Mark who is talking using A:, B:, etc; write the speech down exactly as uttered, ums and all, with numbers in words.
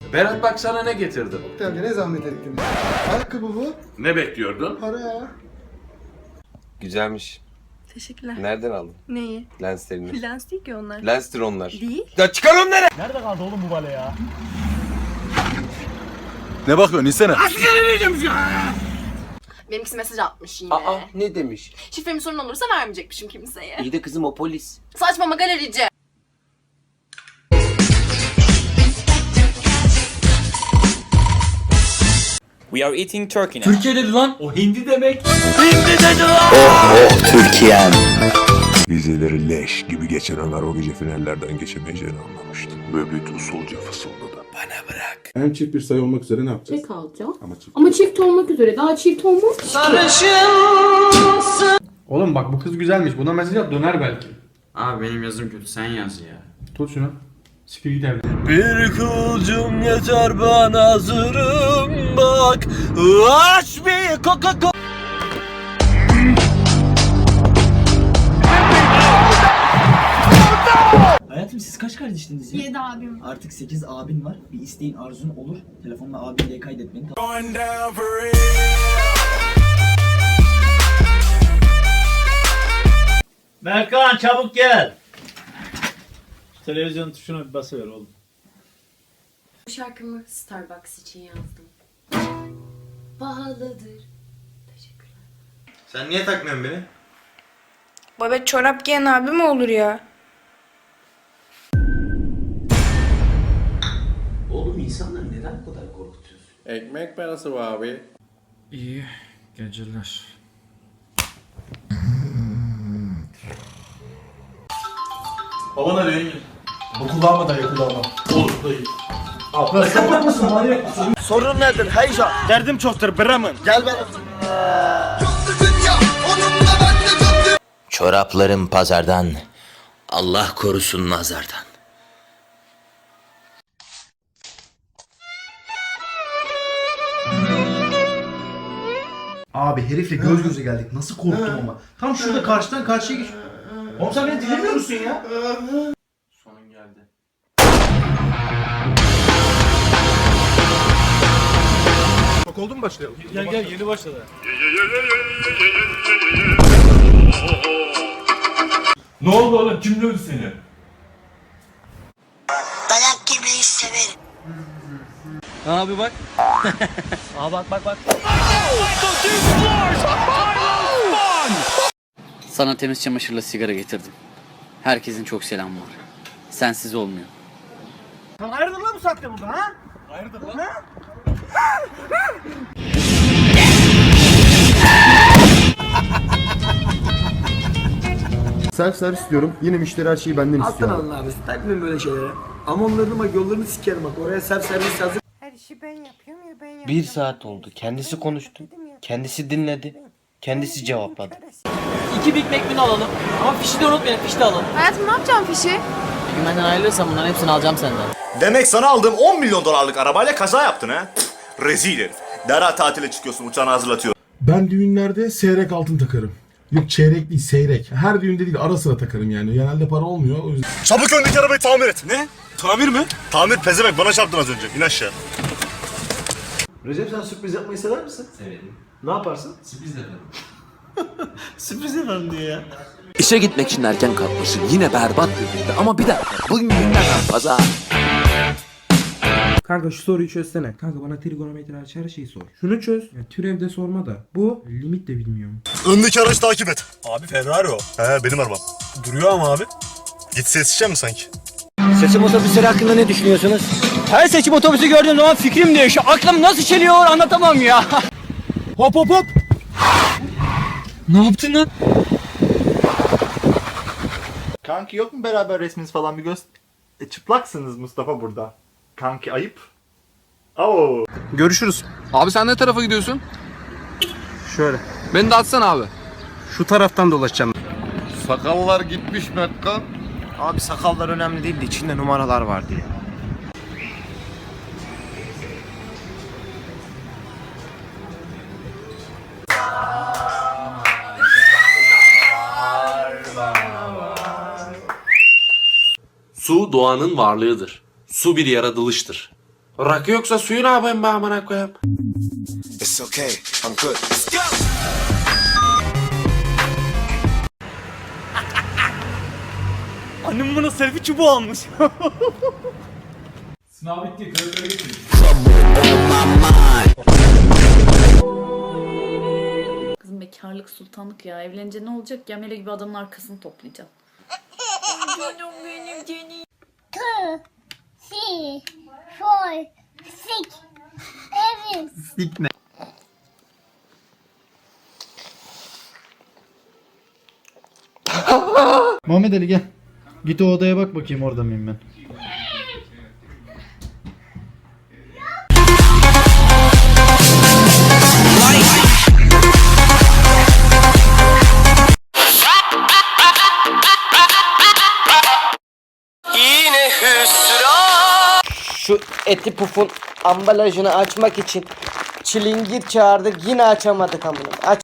A: Berat bak sana ne getirdim.
B: Tabii ne zahmet ettin. Ayakkabı bu.
A: Ne bekliyordun?
B: Para ya.
C: Güzelmiş.
D: Teşekkürler.
C: Nereden aldın?
D: Neyi?
C: Lenslerini.
D: Lens değil ki onlar.
C: Lenstir onlar.
D: Değil.
C: Ya çıkar onları!
E: Nerede kaldı oğlum bu bale ya?
F: Ne bakıyorsun insene?
D: Benimkisi mesaj atmış yine.
C: Aa ne demiş?
D: Şifremi sorun olursa vermeyecekmişim kimseye.
C: İyi de kızım o polis.
D: Saçmama galerici.
G: We are eating turkey now.
E: Türkiye dedi lan. O hindi demek.
F: Vizeleri leş gibi geçen anlar o gece finallerden geçemeyeceğini anlamıştım. Böbük usulca fısıldadı. Bana bırak. En çift bir sayı olmak üzere ne yapacağız?
H: Çek alacağım.
F: Ama çift.
H: Ama çift olmak üzere. Daha çift olmaz ki.
B: Oğlum bak bu kız güzelmiş. Buna mesaj at döner belki.
E: Abi benim yazım kötü, sen yaz ya.
B: Tut şunu. Sikir git evden.
E: Bir kılcım yeter ben hazırım bak. Aç bir coca cola.
I: Hayatım siz kaç kardeştiniz ya?
H: Yedi abim.
I: Artık sekiz abin var. Bir isteğin arzun olur. Telefonla abi diye kaydet beni.
E: Berkan çabuk gel. Şu televizyon tuşuna bir basıver oğlum.
D: Bu şarkımı Starbucks için yazdım. Pahalıdır. Teşekkürler.
E: Sen niye takmıyorsun beni?
J: Baba çorap giyen abi mi olur ya?
I: Oğlum insanları neden bu kadar korkutuyorsun?
C: Ekmek parası var abi.
E: İyi geceler. Baba ne diyorsun? Bu kulağıma dayı kulağıma. Olur dayı. Abi sapık mısın manyak mısın? Sorun nedir heyza? Derdim çoktur Bremen. Gel ben.
G: Çoraplarım pazardan. Allah korusun nazardan.
E: Abi herifle göz göze geldik. Nasıl korktum ama. Tam şurada karşıdan karşıya geç. Oğlum sen beni dinlemiyor musun ya?
A: Sonun geldi.
F: Bak oldu mu başlayalım?
E: Gel gel yeni başladı. Ne oldu oğlum? Kim dövdü seni?
J: Dayak yemeyi severim.
E: Abi bak. Aa bak bak bak.
G: Sana temiz çamaşırla sigara getirdim. Herkesin çok selamı var. Sensiz olmuyor.
E: Sen hayırdır lan bu saatte burada ha? Hayırdır lan? Ha?
B: Self servis diyorum. Yine müşteri her şeyi benden istiyor.
I: Alttan alın abi. Takmayın böyle şeylere. Amonlarını bak yollarını sikerim bak. Oraya self servis yazın.
J: Her işi ben yapıyorum ya ben yapıyorum.
G: Bir saat oldu. Kendisi konuştu. Kendisi dinledi. Kendisi cevapladı.
I: İki Big Mac menü alalım. Ama fişi de unutmayın. Fişi de alın.
J: Hayatım ne yapacağım fişi?
I: Bir gün benden ayrılırsan bunların hepsini alacağım senden.
F: Demek sana aldığım on milyon dolarlık arabayla kaza yaptın ha? Pff, rezil herif. Derhal tatile çıkıyorsun, uçağını hazırlatıyor.
B: Ben düğünlerde seyrek altın takarım. Yok çeyrek değil seyrek. Her düğünde değil ara sıra takarım yani. Genelde para olmuyor o yüzden.
F: Çabuk öndeki arabayı tamir et. Ne? Tamir mi? Tamir pezemek, bana çarptın az önce. İn aşağı.
E: Recep sen sürpriz yapmayı sever misin? Severim. Ne yaparsın? Sürpriz yaparım. Sürpriz yaparım diyor ya.
G: İşe gitmek için erken kalkmışsın. Yine berbat bir günde. Ama bir dakika. Bugün günlerden pazar.
K: Kanka şu soruyu çözsene. Kanka bana trigonometri hariç her şeyi sor. Şunu çöz. Ya, türev de sorma da. Bu limit de bilmiyorum.
F: Öndeki aracı takip et. Abi Ferrari o. He benim arabam. Duruyor ama abi. Git ses içeceğim mi sanki?
I: Seçim otobüsleri hakkında ne düşünüyorsunuz? Her seçim otobüsü gördüğüm zaman fikrim değişiyor. Aklım nasıl çeliyor anlatamam ya. Hop hop hop. Ne yaptın lan?
E: Kanki yok mu beraber resminiz falan bir göz... E, çıplaksınız Mustafa burada. Kanki ayıp. Oo.
C: Görüşürüz. Abi sen ne tarafa gidiyorsun?
B: Şöyle.
C: Beni de atsana abi.
B: Şu taraftan dolaşacağım.
F: Sakallar gitmiş Metkan.
E: Abi sakallar önemli değil de içinde numaralar vardı ya.
A: Su doğanın varlığıdır. Su bir yaratılıştır.
C: Rakı yoksa suyu ne yapayım be amına koyayım?
E: It's okay. I'm good. Let's go. Annem bana selfie çubuğu almış.
K: Sınav bitti. Kırıkları getir.
D: Kızım bekarlık sultanlık ya. Evlenince ne olacak? Gemele gibi adamın arkasını toplayacaksın. Canım benim canım.
H: Two, three, four, six, seven.
E: Muhammed Ali gel. Git o odaya bak bakayım orada mıyım ben.
I: Şu eti pufun ambalajını açmak için çilingir çağırdık yine açamadık amına. Aç.